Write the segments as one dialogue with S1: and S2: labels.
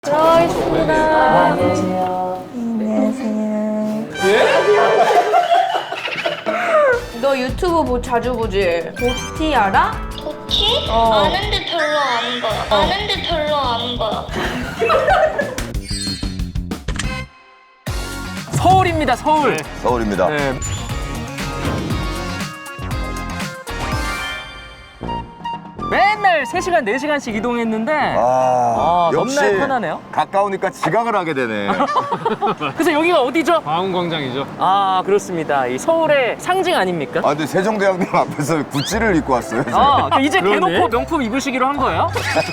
S1: 들어있습니다.
S2: 안녕하세요.
S1: 안녕하세요. 너 유튜브 자주 보지? 도티 알아?
S3: 도티?
S1: 어.
S3: 아는데 별로 안 봐. 아는데 별로 안 봐.
S2: 서울입니다, 서울.
S4: 서울입니다.
S2: 네. 맨날 3시간, 4시간씩 이동했는데
S4: 역시
S2: 너무나 편하네요.
S4: 가까우니까 지각을 하게 되네.
S2: 그래서 여기가 어디죠?
S5: 광운광장이죠.
S2: 아, 그렇습니다. 이 서울의 상징 아닙니까?
S4: 아, 근데 세종대왕님 앞에서 구찌를 입고 왔어요.
S2: 이제
S5: 그러네.
S2: 대놓고 명품 입으시기로 한 거예요?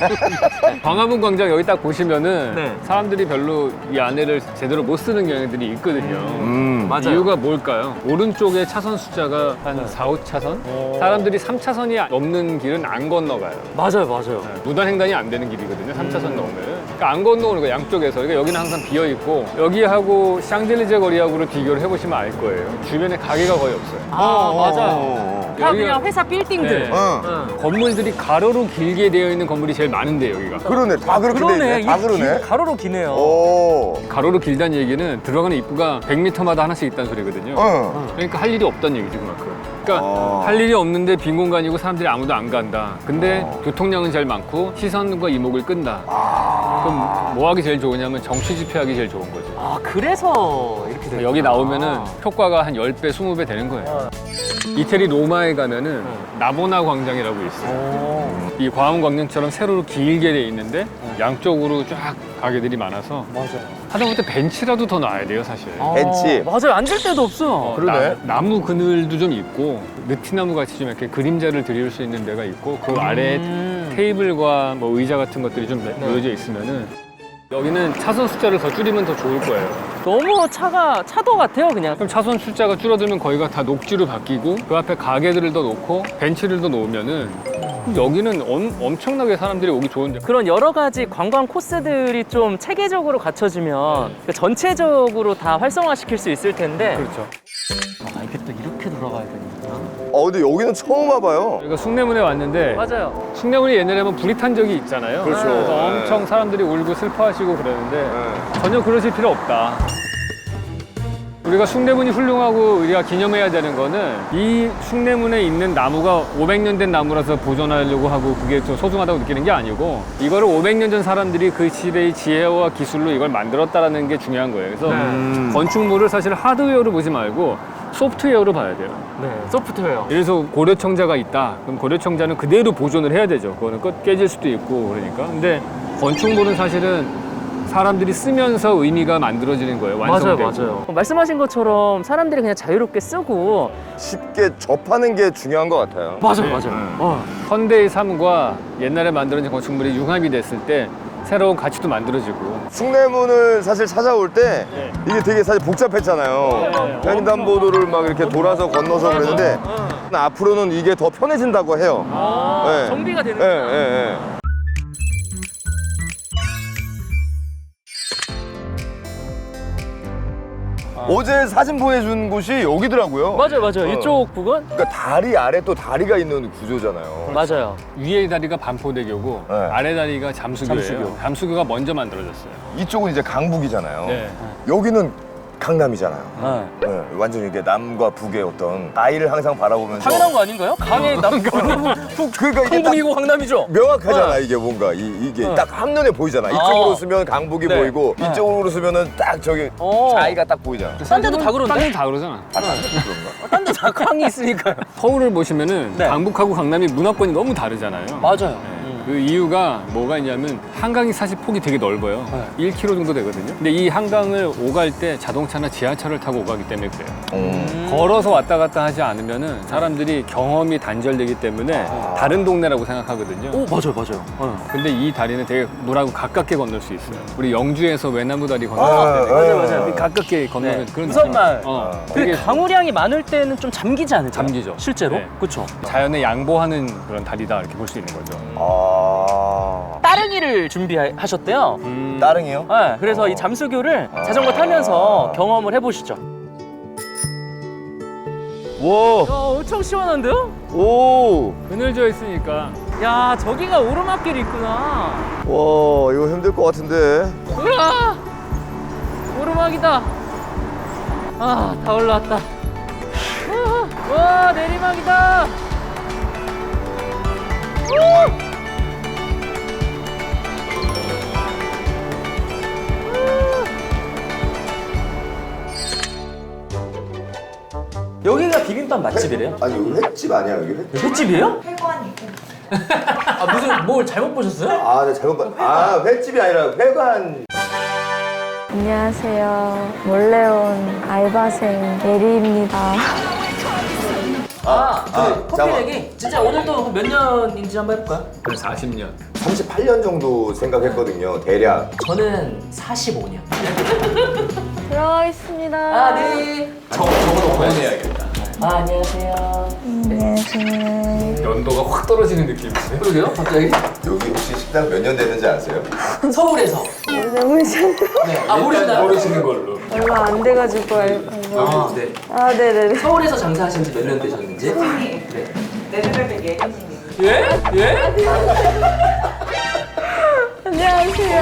S5: 광화문 광장 여기 딱 보시면은
S2: 네.
S5: 사람들이 별로 이 안에를 제대로 못 쓰는 경향들이 있거든요.
S2: 맞아요.
S5: 이유가 뭘까요? 오른쪽에 차선 숫자가 한 4, 5차선? 사람들이 3차선이 넘는 길은 안 건너가요.
S2: 맞아요, 맞아요.
S5: 무단횡단이 안 되는 길이거든요. 3차선 넘으면. 그러니까 안 건너오는 거예요, 양쪽에서. 그러니까 여기는 항상 비어있고 여기하고 샹젤리제 거리하고를 비교를 해보시면 알 거예요. 주변에 가게가 거의 없어요.
S2: 맞아요. 다
S5: 여기가-
S2: 그냥 회사 빌딩들.
S5: 네.
S4: 응.
S5: 건물들이 가로로 길게 되어 있는 건물이 제일 많은데 여기가.
S4: 그러네. 다 그렇게 돼
S2: 그러네.
S4: 있네. 다 그러네.
S2: 가로로 기네요.
S4: 오.
S5: 가로로 길다는 얘기는 들어가는 입구가 100m마다 하나씩 있다는 소리거든요.
S4: 응.
S5: 그러니까 할 일이 없다는 얘기죠, 그만큼. 그러니까
S4: 아.
S5: 할 일이 없는데 빈 공간이고 사람들이 아무도 안 간다. 근데 교통량은 제일 많고 시선과 이목을 끈다. 그럼 뭐 하기 제일 좋으냐면 정치 집회하기 제일 좋은 거죠.
S2: 아, 그래서 이렇게 돼요.
S5: 여기 나오면은 효과가 한 10배, 20배 되는 거예요. 이태리 로마에 가면은 나보나 광장이라고 있어요. 이 광화문 광장처럼 세로로 길게 돼 있는데 양쪽으로 쫙 가게들이 많아서
S2: 맞아요.
S5: 하다못해 벤치라도 더 놔야 돼요, 사실.
S4: 벤치.
S2: 맞아요. 앉을 데도 없어.
S4: 그러네.
S5: 나무 그늘도 좀 있고 느티나무 같이 좀 이렇게 그림자를 드릴 수 있는 데가 있고 그 아래에 테이블과 뭐 의자 같은 것들이 좀 놓여져 있으면은 여기는 차선 숫자를 더 줄이면 더 좋을 거예요.
S2: 너무 차도 같아요, 그냥.
S5: 그럼 차선 숫자가 줄어들면 거기가 다 녹지로 바뀌고 그 앞에 가게들을 더 놓고 벤치를 더 놓으면은 그럼 여기는 엄청나게 사람들이 오기 좋은데.
S2: 그런 여러 가지 관광 코스들이 좀 체계적으로 갖춰지면 그 전체적으로 다 활성화시킬 수 있을 텐데.
S5: 그렇죠.
S2: 이게 또 이렇게 돌아가야 되는구나.
S4: 근데 여기는 처음 와봐요.
S5: 저희가 숭례문에 왔는데
S2: 맞아요.
S5: 숭례문이 옛날에 한번 불이 탄 적이 있잖아요.
S4: 그렇죠.
S5: 그래서
S4: 네.
S5: 엄청 사람들이 울고 슬퍼하시고 그러는데 전혀 그러실 필요 없다. 우리가 숭례문이 훌륭하고 우리가 기념해야 되는 거는 이 숭례문에 있는 나무가 500년 된 나무라서 보존하려고 하고 그게 좀 소중하다고 느끼는 게 아니고 이거를 500년 전 사람들이 그 시대의 지혜와 기술로 이걸 만들었다라는 게 중요한 거예요. 그래서 건축물을 사실 하드웨어로 보지 말고 소프트웨어로 봐야 돼요.
S2: 네, 소프트웨어.
S5: 예를 들어서 고려청자가 있다. 그럼 고려청자는 그대로 보존을 해야 되죠. 그거는 깨질 수도 있고 그러니까. 근데 건축물은 사실은 사람들이 쓰면서 의미가 만들어지는 거예요. 완성되고.
S2: 맞아요. 말씀하신 것처럼 사람들이 그냥 자유롭게 쓰고.
S4: 쉽게 접하는 게 중요한 것 같아요.
S2: 맞아요.
S5: 현대의 삶과 옛날에 만들어진 건축물이 융합이 됐을 때 새로운 가치도 만들어지고.
S4: 숭례문을 사실 찾아올 때 이게 되게 사실 복잡했잖아요. 횡단보도를 막 이렇게 돌아서 건너서 그랬는데 앞으로는 이게 더 편해진다고 해요. 네.
S2: 정비가 되는
S4: 예, 예, 예. 어제 사진 보내준 곳이 여기더라고요.
S2: 맞아요. 이쪽 부근?
S4: 그러니까 다리 아래 또 다리가 있는 구조잖아요.
S2: 맞아요.
S5: 위에 다리가 반포대교고
S4: 네.
S5: 아래 다리가 잠수교예요.
S2: 잠수교.
S5: 잠수교가 먼저 만들어졌어요.
S4: 이쪽은 이제 강북이잖아요.
S5: 네.
S4: 여기는 강남이잖아요. 네, 완전 이게 남과 북의 어떤 아이를 항상 바라보면서
S2: 당연한 거 아닌가요? 강에
S4: 그러니까 이게 딱
S2: 강북이고 강남이죠.
S4: 명확하잖아. 이게 뭔가 이게 딱 한눈에 보이잖아. 이쪽으로 쓰면 강북이
S2: 네.
S4: 보이고 이쪽으로 쓰면은 딱 저기 자이가 딱 보이잖아.
S2: 딴 데도 다 그런데?
S5: 딴 데도 다 그러잖아.
S4: 그런가?
S2: 딴 데 다 강이 있으니까요.
S5: 서울을 보시면은
S2: 네.
S5: 강북하고 강남이 문화권이 너무 다르잖아요.
S2: 맞아요.
S5: 그 이유가 뭐가 있냐면 한강이 사실 폭이 되게 넓어요. 1km 정도 되거든요. 근데 이 한강을 오갈 때 자동차나 지하철을 타고 오가기 때문에 그래요. 걸어서 왔다 갔다 하지 않으면은 사람들이 경험이 단절되기 때문에 다른 동네라고 생각하거든요.
S2: 오, 맞아요.
S5: 근데 이 다리는 되게 물하고 가깝게 건널 수 있어요. 우리 영주에서 외나무 다리 건널 때
S2: 맞아요.
S5: 가깝게 건너면
S2: 네.
S5: 그런
S2: 우선마을.
S5: 느낌.
S2: 근데
S5: 되게
S2: 강우량이 많을 때는 좀 잠기지 않을까요?
S5: 잠기죠.
S2: 실제로?
S5: 네.
S2: 그렇죠.
S5: 자연에 양보하는 그런 다리다 이렇게 볼 수 있는 거죠.
S2: 따릉이를 준비하셨대요.
S4: 따릉이요?
S2: 네, 그래서 이 잠수교를 자전거 타면서 경험을 해보시죠.
S4: 와,
S2: 엄청 시원한데요?
S4: 오,
S5: 그늘져 있으니까
S2: 야, 저기가 오르막길이 있구나.
S4: 와, 이거 힘들 것 같은데.
S2: 우와! 오르막이다. 아, 다 올라왔다. 와, 내리막이다. 여기가 비빔밥 맛집이래요?
S4: 아니, 여기 횟집 아니야, 여기 횟집?
S2: 횟집이에요? 아, 무슨 뭘 잘못 보셨어요?
S4: 아, 네, 잘못 봤. 아, 횟집이 아니라 회관.
S6: 안녕하세요. 몰래 온 알바생 예리입니다.
S2: 커피
S4: 잠깐만.
S2: 내기? 진짜 오늘도 몇 년인지 한번 해볼까요?
S5: 40년.
S4: 38년 정도 생각했거든요, 대략.
S2: 저는 45년.
S6: 들어가겠습니다.
S2: 네.
S5: 저거도 보내야겠다.
S2: 안녕하세요.
S6: 안녕하세요.
S5: 연도가 확 떨어지는 느낌이세요?
S2: 그러게요, 갑자기?
S4: 여기 혹시 식당 몇 년 됐는지 아세요?
S2: 서울에서. 네. 모르시나요?
S5: 모르시는 걸로.
S6: 얼마 안 돼가지고 알바.
S2: 아, 네.
S6: 아, 네네네.
S2: 서울에서 장사하신 지 몇 년 되셨는지? 네. 예? 예?
S6: 안녕하세요.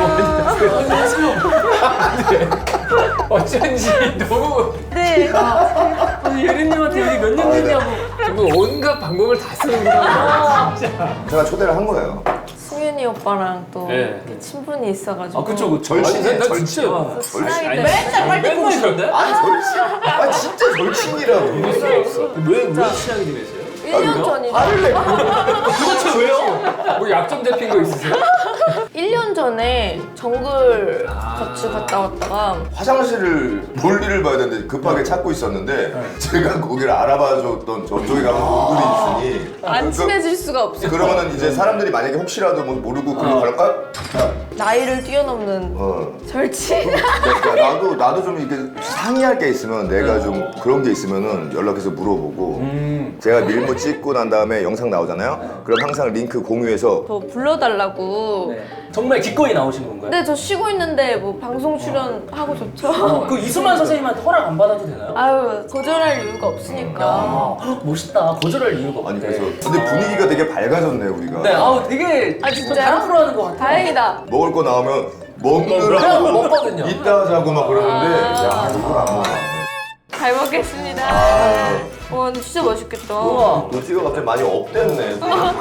S5: 어쩐지 너무
S6: 네.
S2: 예린님한테 여기 몇 년 됐냐고.
S5: 정말 온갖 방법을 다 쓰는구나.
S4: 제가 초대를 한 거예요.
S6: 승윤이 오빠랑 또
S5: 네.
S6: 이렇게 친분이 있어가지고.
S2: 그쵸.
S4: 절친이에요,
S5: 나
S4: 절친.
S5: 진짜
S6: 친하게
S4: 아니,
S6: 돼.
S2: 맨날 빨대고 있었는데?
S4: 아니, 절친. 아, 진짜 절친이라고.
S5: 왜 친하게 지내세요?
S6: 1년 전이죠.
S2: 도대체 왜요?
S5: 뭐 약점 잡힌 거 있으세요?
S6: 1년 전에 정글 같이 갔다 왔다가
S4: 화장실을 볼일을 봐야 되는데 급하게 찾고 있었는데 제가 거기를 알아봐줬던 저쪽에 가면 얼굴이 있으니
S6: 안 친해질 수가 없어.
S4: 그러면은 이제 사람들이 만약에 혹시라도 뭐 모르고 그런 거 할까?
S6: 나이를 뛰어넘는 절친.
S4: 그러니까 나도 좀 이렇게 상의할 게 있으면 내가 좀 그런 게 있으면은 연락해서 물어보고 제가 밀무 찍고 난 다음에 영상 나오잖아요. 그럼 항상 링크 공유해서
S6: 저 불러달라고.
S2: 정말 기꺼이 나오신 건가요?
S6: 근데 저 쉬고 있는데 뭐 방송 출연하고 좋죠.
S2: 그 이수만 선생님한테 허락 안 받아도 되나요?
S6: 아유 거절할 이유가 없으니까.
S2: 멋있다. 거절할 이유가 없네.
S4: 아니 그래서 근데 분위기가 되게 밝아졌네 우리가.
S2: 네, 아우 되게
S6: 아, 진짜요?
S2: 다른 프로 하는 것 같아요.
S6: 다행이다.
S4: 먹을 거 나오면
S2: 그냥
S4: 먹느라고
S2: 먹거든요.
S4: 이따 하자고 막 그러는데 야 이걸 안 먹어.
S6: 잘 먹겠습니다. 와 근데 진짜 맛있겠다.
S2: 우와.
S4: 노지가 갑자기 많이 업됐네.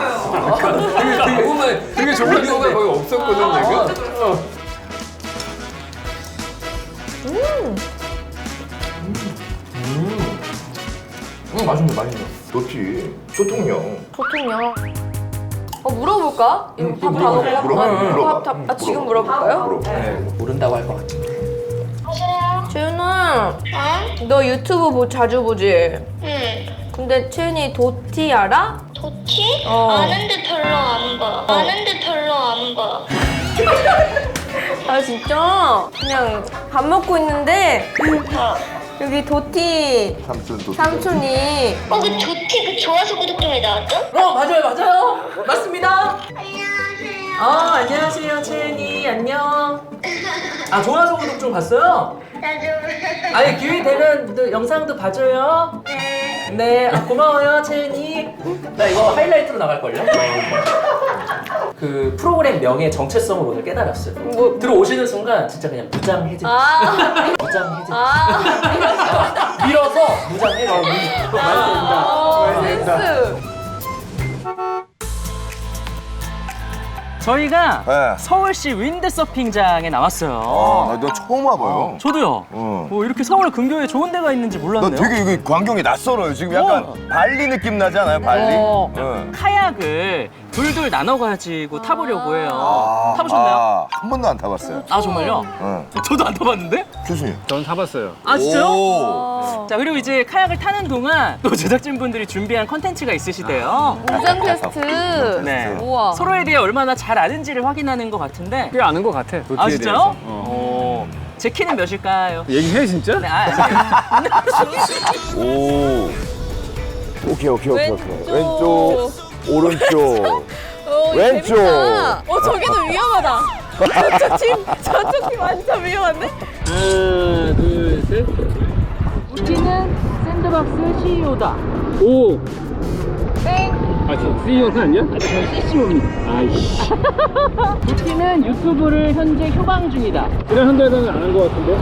S5: 되게 좋은 경우가 거의 없었거든 내가.
S2: 맛있네.
S4: 좋지. 소통력.
S6: 보통요. 물어볼까? 이거 밥 다
S4: 물어봐,
S6: 먹어?
S4: 물어봐.
S6: 밥 지금 물어볼까요?
S4: 물어봐.
S2: 모른다고 할 것 같은데.
S3: 여보세요?
S6: 채윤아,
S3: 어?
S6: 너 유튜브 자주 보지?
S3: 응.
S6: 근데 채윤이 도티 알아?
S3: 좋지?
S6: 어.
S3: 아는데 별로 안 봐. 아는데 별로 안 봐.
S6: 아 진짜? 그냥 밥 먹고 있는데 여기 도티 삼촌이
S3: 그 좋지? 그 좋아서 구독점에 나왔죠?
S2: 맞아요. 맞습니다.
S3: 안녕하세요.
S2: 안녕하세요, 채은이. 안녕. 좋아서 구독 좀 봤어요?
S3: 나도.
S2: 기회 되면 또 영상도 봐줘요. 네, 고마워요, 채은이. 나 이거 하이라이트로 나갈걸요? 그 프로그램 명의 정체성을 오늘 깨달았어요.
S6: 뭐-
S2: 들어오시는 순간 진짜 그냥 무장해제. 무장해제. 밀어서 무장해제.
S6: 센스.
S2: 저희가
S4: 네.
S2: 서울시 윈드서핑장에 나왔어요.
S4: 나 처음 와봐요.
S2: 저도요. 이렇게 서울 근교에 좋은 데가 있는지
S4: 나
S2: 몰랐네요.
S4: 되게 이게 광경이 낯설어요. 지금 약간 발리 느낌 나지 않아요? 발리? 응.
S2: 카약을 둘둘 나눠가지고 타보려고 해요. 타보셨나요?
S4: 한 번도 안 타봤어요.
S2: 정말요?
S4: 응.
S2: 저도 안 타봤는데?
S4: 교수님.
S5: 전 타봤어요.
S2: 진짜요?
S4: 오.
S2: 자, 그리고 이제 카약을 타는 동안 또 제작진분들이 준비한 컨텐츠가 있으시대요.
S6: 무장 테스트.
S2: 네.
S6: 우와.
S2: 서로에 대해 얼마나 잘 아는지를 확인하는 것 같은데.
S5: 꽤 아는 것 같아. 도티에
S2: 진짜요?
S5: 대해서.
S2: 제 키는 몇일까요?
S5: 얘기해 진짜?
S2: 네,
S4: 오. 오케이.
S6: 왼쪽.
S4: 오른쪽. 왼쪽.
S6: 재밌다. 저기도 위험하다. 저쪽 팀 완전 위험한데?
S2: 하나, 둘, 셋. 우리는 샌드박스 CEO다. 5,
S6: 땡.
S5: 아, 저 CEO는 아니야?
S2: 저희 CCO입니다. 아이씨. 루키는 유튜브를 현재 휴방 중이다.
S5: 그냥 한 달간은 안 한 것 같은데?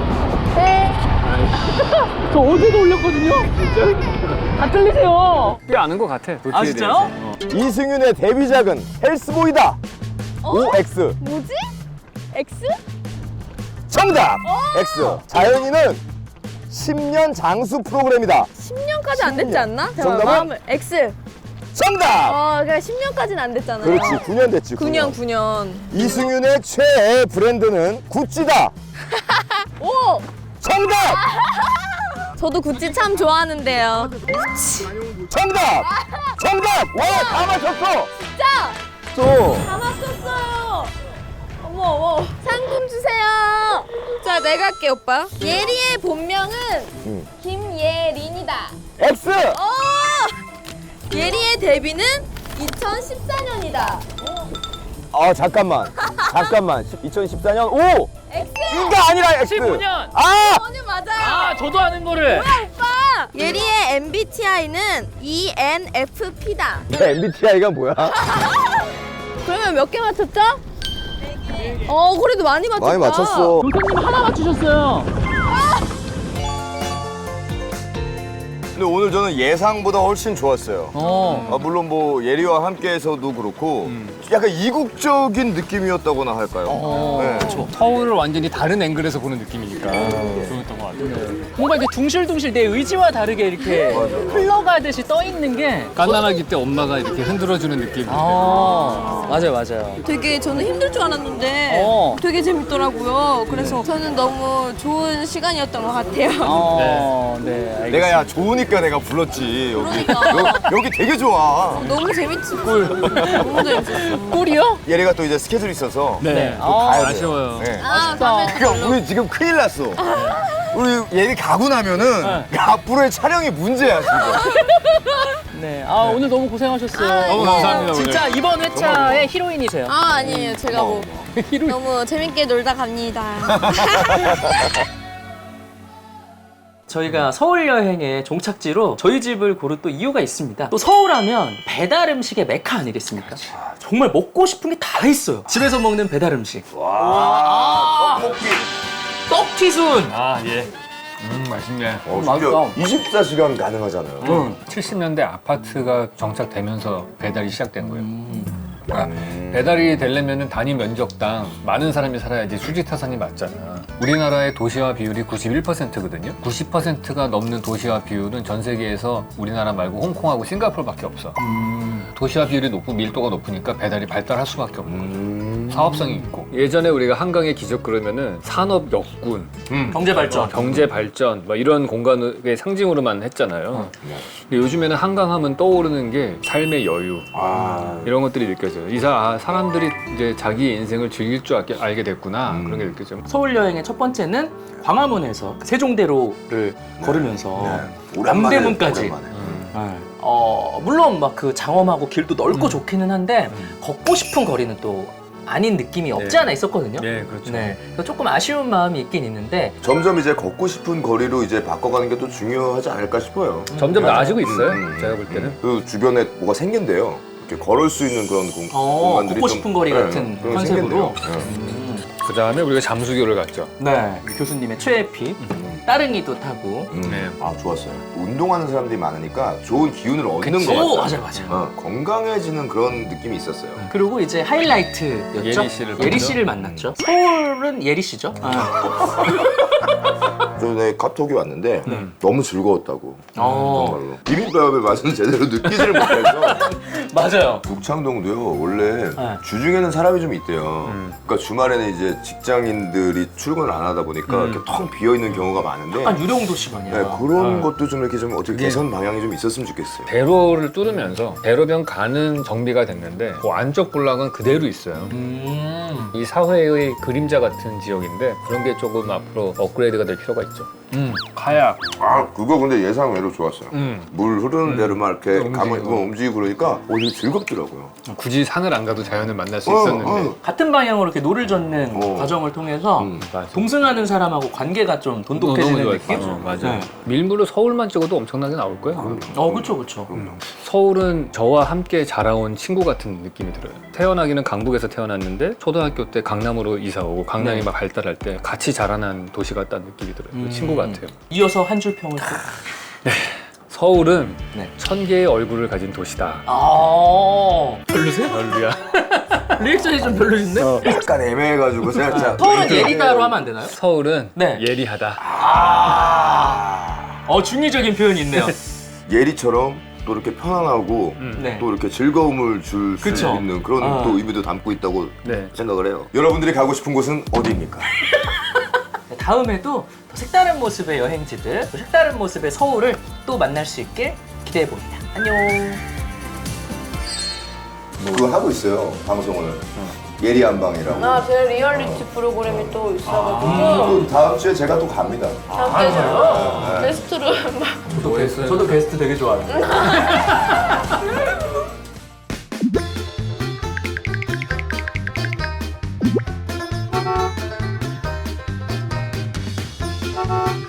S2: 저 어제도 올렸거든요? 진짜? 다 틀리세요.
S5: 꽤 아는 것 같아. 도티에
S2: 아, 진짜요?
S5: 대해서.
S4: 이승윤의 데뷔작은 헬스보이다. OX.
S1: 뭐지? X?
S4: 정답. X. 자연이는 10년 장수 프로그램이다.
S1: 10년까지 안 됐지 않나?
S4: 정답은?
S1: 마음을 X.
S4: 정답.
S1: 그러니까 10년까지는 안 됐잖아요.
S4: 그렇지. 9년 됐지.
S1: 9년, 9년.
S4: 이승윤의 최애 브랜드는 구찌다.
S1: 오!
S4: 정답.
S1: 저도 구찌 참 좋아하는데요.
S4: 정답. 정답. 와, 다 맞췄어.
S1: 진짜!
S4: 또.
S1: 다 맞췄어요! 어머, 어머. 상금 주세요! 자, 내가 할게, 오빠. 예리의 본명은 김예린이다.
S4: X.
S1: 예리의 데뷔는 2014년이다.
S4: 아, 잠깐만. 2014년 O.
S1: X!
S4: E가 아니라 X.
S2: 15년.
S4: 아!
S1: 저는 맞아요.
S2: 아, 저도 아는 거를.
S1: 오빠! 예리의 MBTI는 ENFP다.
S4: MBTI가 뭐야?
S1: 그러면 몇 개 맞췄죠? 4개. 그래도 많이 맞췄다.
S4: 많이 맞췄어.
S2: 교수님 하나 맞추셨어요.
S4: 근데 오늘 저는 예상보다 훨씬 좋았어요.
S2: 어.
S4: 물론 뭐 예리와 함께해서도 그렇고 약간 이국적인 느낌이었다고나 할까요? 네.
S5: 서울을 완전히 다른 앵글에서 보는 느낌이니까 좋았던 것 같아요.
S2: 뭔가 이렇게 둥실둥실 내 의지와 다르게 이렇게 흘러가듯이 떠 있는 게.
S5: 갓난아기 때 엄마가 이렇게 흔들어주는 느낌.
S2: 맞아요, 맞아요.
S1: 되게 저는 힘들 줄 알았는데 되게 재밌더라고요. 그래서 저는 너무 좋은 시간이었던 것 같아요.
S2: 네, 알겠습니다.
S4: 내가 야 좋으니까 내가 불렀지. 여기,
S1: 그러니까.
S4: 여기 되게 좋아.
S1: 너무 재밌었어. 너무 재밌었어.
S2: 꿀이요?
S4: 예리가 또 이제 스케줄이 있어서
S5: 네.
S4: 가야 돼요.
S5: 아쉬워요.
S4: 네.
S1: 다음에
S4: 그러니까 우리 지금 큰일 났어. 우리 예리 가고 나면은 앞으로의 촬영이 문제야 지금.
S2: 네. 오늘 너무 고생하셨어요.
S5: 너무 감사합니다,
S2: 진짜 이번 회차의 히로인이세요.
S1: 아니에요. 제가 뭐 너무 재밌게 놀다 갑니다.
S2: 저희가 서울 여행의 종착지로 저희 집을 고른 또 이유가 있습니다. 또 서울하면 배달 음식의 메카 아니겠습니까? 정말 먹고 싶은 게 다 있어요. 집에서 먹는 배달 음식.
S4: 떡볶이.
S2: 떡튀순.
S5: 아, 예. 맛있네.
S2: 맞다.
S4: 24시간 가능하잖아요.
S5: 70년대 아파트가 정착되면서 배달이 시작된 거예요. 그러니까 배달이 되려면 단위 면적당 많은 사람이 살아야지 수지타산이 맞잖아. 우리나라의 도시화 비율이 91%거든요. 90%가 넘는 도시화 비율은 전 세계에서 우리나라 말고 홍콩하고 싱가포르밖에 없어. 도시화 비율이 높고 밀도가 높으니까 배달이 발달할 수밖에 없고 사업성이 있고. 예전에 우리가 한강의 기적 그러면은 산업 역군,
S2: 경제 발전.
S5: 경제 발전 막 이런 공간의 상징으로만 했잖아요. 근데 요즘에는 한강하면 떠오르는 게 삶의 여유 이런 것들이 느껴져요. 사람들이 이제 자기 인생을 즐길 줄 알게 됐구나 그런 게 느껴져요.
S2: 서울 여행의 첫 번째는 광화문에서 세종대로를 걸으면서 남대문까지. 물론 막 그 장엄하고 길도 넓고 좋기는 한데 걷고 싶은 거리는 또 아닌 느낌이 없지 않아 있었거든요.
S5: 네, 그렇죠.
S2: 네, 그래서 조금 아쉬운 마음이 있긴 있는데
S4: 점점 이제 걷고 싶은 거리로 이제 바꿔가는 게 또 중요하지 않을까 싶어요.
S5: 점점 나아지고 있어요. 제가 볼 때는.
S4: 그 주변에 뭐가 생긴대요. 이렇게 걸을 수 있는 그런 공간들이
S2: 걷고 싶은 거리 같은
S4: 그런 게
S2: 컨셉으로.
S4: 생긴대요.
S5: 그 다음에 우리가 잠수교를 갔죠.
S2: 네, 교수님의 최애픽 따릉이도 타고.
S5: 네.
S4: 아, 좋았어요. 운동하는 사람들이 많으니까 좋은 기운을 얻는
S5: 그치.
S4: 것
S2: 오,
S4: 같아요.
S2: 맞아요.
S4: 건강해지는 그런 느낌이 있었어요.
S2: 그리고 이제 하이라이트였죠.
S5: 예리 씨를
S2: 만났죠. 서울은 예리 씨죠.
S4: 전에 카톡이 왔는데 너무 즐거웠다고.
S2: 어.
S4: 정말로. 비빔밥의 맛은 제대로 느끼지를 못해서.
S2: 맞아요.
S4: 녹창동도요 원래
S2: 네.
S4: 주중에는 사람이 좀 있대요. 그러니까 주말에는 이제 직장인들이 출근을 안 하다 보니까 이렇게 텅 비어 있는 경우가 많은데.
S2: 약간 유령 도시 마냥.
S4: 네, 그런 것도 좀 이렇게 좀 어떻게 개선 방향이 좀 있었으면 좋겠어요.
S5: 대로를 뚫으면서 대로변 가는 정비가 됐는데 그 안쪽 군락은 그대로 있어요. 이 사회의 그림자 같은 지역인데 그런 게 조금 앞으로 업그레이드 업그레이드가 될 필요가 있죠. 카약.
S4: 아 그거 근데 예상 외로 좋았어요. 물 흐르는 대로 막 이렇게
S5: 움직이고.
S4: 움직이고 그러니까 되게 즐겁더라고요.
S5: 굳이 산을 안 가도 자연을 만날 수 있었는데.
S2: 같은 방향으로 이렇게 노를 젓는 과정을 통해서
S5: 맞아.
S2: 동승하는 사람하고 관계가 좀 돈독해지는 느낌?
S5: 맞아.
S2: 네.
S5: 밀물로 서울만 찍어도 엄청나게 나올 거예요.
S2: 그쵸, 그쵸.
S5: 서울은 저와 함께 자라온 친구 같은 느낌이 들어요. 태어나기는 강북에서 태어났는데 초등학교 때 강남으로 이사 오고 강남이 막 발달할 때 같이 자라난 도시 같다는 느낌이 들어요. 친구 같아요.
S2: 이어서 한 줄 평을 또.
S5: 서울은
S2: 네.
S5: 1000개의 얼굴을 가진 도시다.
S2: 별로세요?
S5: 별로야.
S2: 리액션이 좀 별로신데?
S4: 약간 애매해가지고 살짝.
S2: 서울은 예리다로 하면 안 되나요?
S5: 서울은
S2: 네.
S5: 예리하다.
S2: 중의적인 표현이 있네요.
S4: 예리처럼 또 이렇게 편안하고
S2: 네.
S4: 또 이렇게 즐거움을 줄 수
S2: 그쵸.
S4: 있는 그런 또 의미도 담고 있다고
S5: 네.
S4: 생각을 해요. 여러분들이 가고 싶은 곳은 어디입니까?
S2: 다음에도 더 색다른 모습의 여행지들, 또 색다른 모습의 서울을 또 만날 수 있게 기대해 봅니다. 안녕.
S4: 그거 하고 있어요 방송을. 예리한 방이라고.
S1: 제 리얼리티 프로그램이 또 있어가지고
S4: 또 다음 주에 제가 또 갑니다.
S1: 다음 주에 제가 게스트로 막
S2: 저도 베스트 되게 좋아해요.